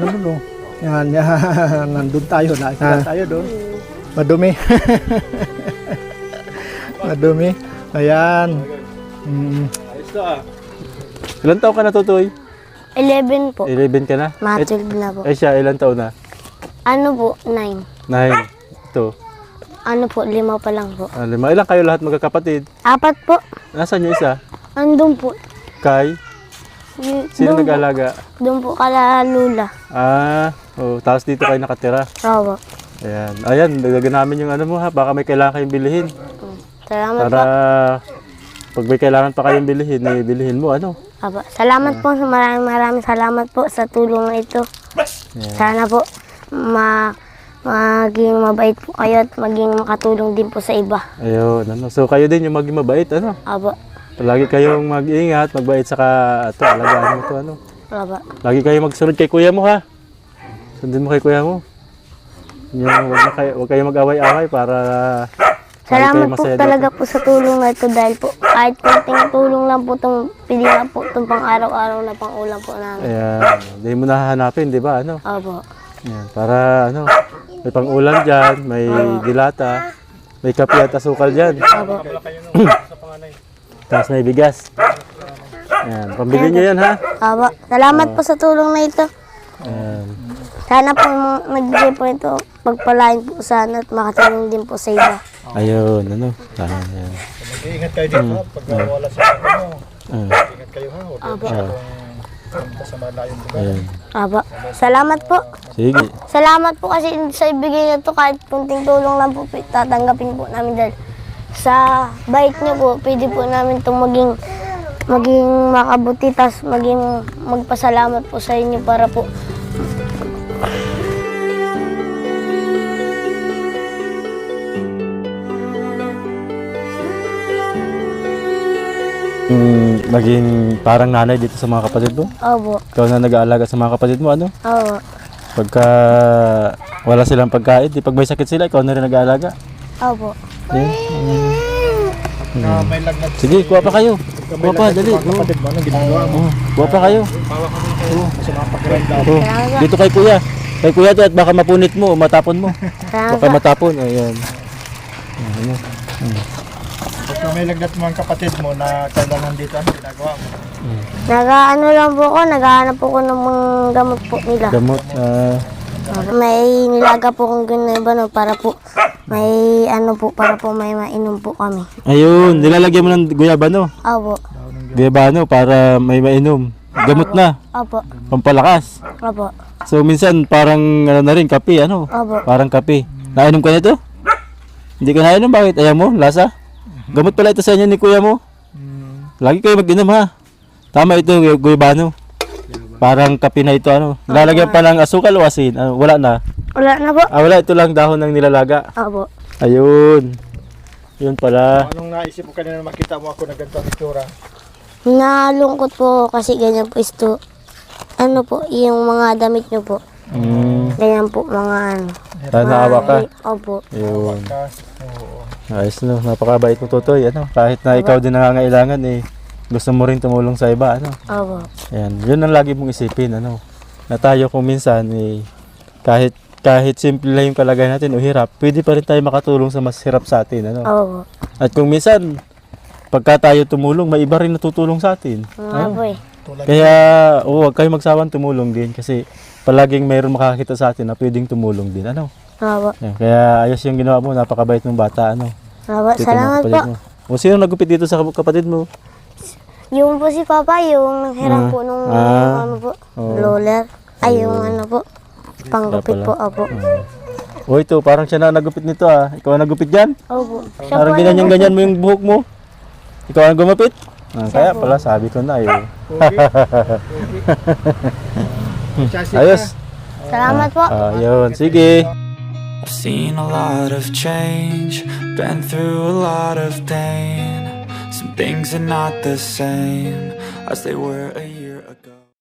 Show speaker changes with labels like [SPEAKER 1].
[SPEAKER 1] ano nun, oh. Yan, yan. Nandun tayo. Nakikita tayo doon. Madumi. Madumi. Ayan.
[SPEAKER 2] Ayos na ah. Ilan taon ka na, Tutoy?
[SPEAKER 3] 11 po.
[SPEAKER 2] 11 ka na?
[SPEAKER 3] Matulog na po.
[SPEAKER 2] Eh siya, ilan taon na?
[SPEAKER 3] Ano po? 9.
[SPEAKER 2] 9. Ito.
[SPEAKER 3] Ano po? 5 pa lang po.
[SPEAKER 2] 5. Ilan kayo lahat magkakapatid?
[SPEAKER 3] 4 po.
[SPEAKER 2] Nasaan yung isa?
[SPEAKER 3] Andun po.
[SPEAKER 2] Kay? Sino
[SPEAKER 3] Doon po.
[SPEAKER 2] nag-alaga?
[SPEAKER 3] Doon po kala Lula.
[SPEAKER 2] Tapos dito kayo nakatira.
[SPEAKER 3] Opo.
[SPEAKER 2] Ayan. Ayan, dagdagan namin yung ano mo ha. Baka may kailangan kayong bilihin.
[SPEAKER 3] Salamat
[SPEAKER 2] Para
[SPEAKER 3] po.
[SPEAKER 2] pag may kailangan pa kayong bilihin, eh, bilihin mo ano.
[SPEAKER 3] Opo. Salamat po. Maraming salamat po sa tulong na ito.
[SPEAKER 2] Ayan.
[SPEAKER 3] Sana po maging mabait po kayo at maging makatulong din po sa iba.
[SPEAKER 2] Ayun, ano. So kayo din yung maging mabait, ano.
[SPEAKER 3] Opo.
[SPEAKER 2] Lagi kayong mag-ingat, magbait saka ito, alagaan mo ito, ano.
[SPEAKER 3] Opo.
[SPEAKER 2] Lagi kayong magsunod kay kuya mo ha. Sundin mo kay kuya mo. Yung wag kayo mag-away-away para
[SPEAKER 3] Salamat po talaga po sa tulong na ito dahil po kahit konting tulong lang po itong pili na po itong pang araw-araw na pang ulam po namin.
[SPEAKER 2] Ayan, hindi mo nahahanapin, di ba, ano?
[SPEAKER 3] Opo.
[SPEAKER 2] Ayan, para ano, may pang-ulam dyan, may dilata, may kape at asukal dyan.
[SPEAKER 3] Opo.
[SPEAKER 2] Tapos may bigas. Ayan, pambili nyo yan ha.
[SPEAKER 3] Opo. Salamat po sa tulong na ito.
[SPEAKER 2] Ayan.
[SPEAKER 3] Sana po nagbigay po ito, pagpalain po sana at makatulong din po sa iba.
[SPEAKER 2] Ayun, ano. Ayan.
[SPEAKER 1] Mag-iingat kayo dito pag wala sa ano. Ingat kayo ha. Huwag
[SPEAKER 3] Opo.
[SPEAKER 1] punta sa malayong lugar.
[SPEAKER 2] Ayan.
[SPEAKER 3] Opo. Salamat po.
[SPEAKER 2] Sige.
[SPEAKER 3] Salamat po kasi sa ibigay nito kahit kunting tulong lang po tatanggapin po namin dahil sa bait niyo po pwede po namin itong maging makabuti tas maging magpasalamat po sa inyo para po
[SPEAKER 2] Maging parang nanay dito sa mga kapatid mo.
[SPEAKER 3] Opo.
[SPEAKER 2] Ikaw na nag-aalaga sa mga kapatid mo, ano?
[SPEAKER 3] Opo.
[SPEAKER 2] Pagka wala silang pagkain, di pag may sakit sila, ikaw na rin nag-aalaga.
[SPEAKER 3] Opo.
[SPEAKER 2] Yan.
[SPEAKER 1] May lagnat.
[SPEAKER 2] Sige, kuha pa kayo. Kuha pa, dali.
[SPEAKER 1] Kapatid mo, anong ginagawa mo?
[SPEAKER 2] Kuha pa kayo.
[SPEAKER 1] Sa mga pag-renda.
[SPEAKER 2] Dito kay kuya. Kay kuya to at baka mapunit mo, matapon mo.
[SPEAKER 3] Salamat
[SPEAKER 2] Baka
[SPEAKER 3] po.
[SPEAKER 2] matapon. Ayan. Ayan.
[SPEAKER 1] Pagka may lagnat mo ang kapatid mo na kailangan dito, anong ginagawa mo?
[SPEAKER 3] Nag-ano lang po ako, naghahanap po ko ng mga gamot po nila.
[SPEAKER 2] Gamot.
[SPEAKER 3] May nilaga po kong ginagawa para po may ano po, para po may mainom po kami.
[SPEAKER 2] Ayun, nilalagyan mo ng guyabano.
[SPEAKER 3] Opo.
[SPEAKER 2] Guyabano para may mainom. Gamot na.
[SPEAKER 3] Opo.
[SPEAKER 2] Pampalakas.
[SPEAKER 3] Opo.
[SPEAKER 2] So minsan parang ano na rin, kape, ano?
[SPEAKER 3] Opo.
[SPEAKER 2] Parang kape. Nainom ka nito? Hindi ka nainom, bakit? Ayaw mo? Lasa? Gamot pala ito sa inyo ni kuya mo. Lagi kayo mag-inom ha. Tama ito, guyabano. Parang kape na ito, ano? Lalagyan pa ng asukal o asin? Wala na.
[SPEAKER 3] Wala na po.
[SPEAKER 2] Wala, ito lang dahon ng nilalaga.
[SPEAKER 3] Opo.
[SPEAKER 2] Ayun. Yun pala.
[SPEAKER 1] Anong naisip mo kanina makita mo ako na ganito ang itsura?
[SPEAKER 3] Nalungkot po kasi ganyan po isto. Ano po, yung mga damit nyo po. Ganyan po, mga ano.
[SPEAKER 2] Naawa ka.
[SPEAKER 3] Opo.
[SPEAKER 2] Ayun.
[SPEAKER 1] Oo.
[SPEAKER 2] Ayos no, napakabait mo Totoy, ano? Kahit na ikaw din nangangailangan eh, gusto mo rin tumulong sa iba, ano?
[SPEAKER 3] Opo.
[SPEAKER 2] Ayan, yun ang lagi mong isipin, ano? Na tayo kung minsan eh, kahit simple lang yung kalagayan natin o hirap, pwede pa rin tayo makatulong sa mas hirap sa atin, ano?
[SPEAKER 3] Opo.
[SPEAKER 2] At kung minsan, pagka tayo tumulong, may iba rin natutulong sa atin.
[SPEAKER 3] Nga po eh.
[SPEAKER 2] Kaya, huwag kayo magsawang tumulong din kasi palaging mayroon makakita sa atin na pwedeng tumulong din, ano?
[SPEAKER 3] Opo.
[SPEAKER 2] Ayan, kaya ayos yung ginawa mo, napakabait mong bata, ano?
[SPEAKER 3] Opo.
[SPEAKER 2] Dito
[SPEAKER 3] Salamat
[SPEAKER 2] mga
[SPEAKER 3] po.
[SPEAKER 2] kapatid mo. O sino nagupit dito sa kapatid mo?
[SPEAKER 3] Yung po si Papa, yung nanghiram po nung ano po, roller. Ay, yung ano po, panggupit po. Opo.
[SPEAKER 2] O ito, parang siya na nagupit nito ah. Ikaw ang nagupit dyan?
[SPEAKER 3] Opo. Siya
[SPEAKER 2] Parang
[SPEAKER 3] po
[SPEAKER 2] ganyan mo yung buhok mo. Ikaw ang gumupit? Kaya pala sabi ko na eh. Ayos.
[SPEAKER 3] Salamat po.
[SPEAKER 2] Yun, sige.
[SPEAKER 4] I've seen a lot of change, been through a lot of pain. Some things are not the same as they were a year ago.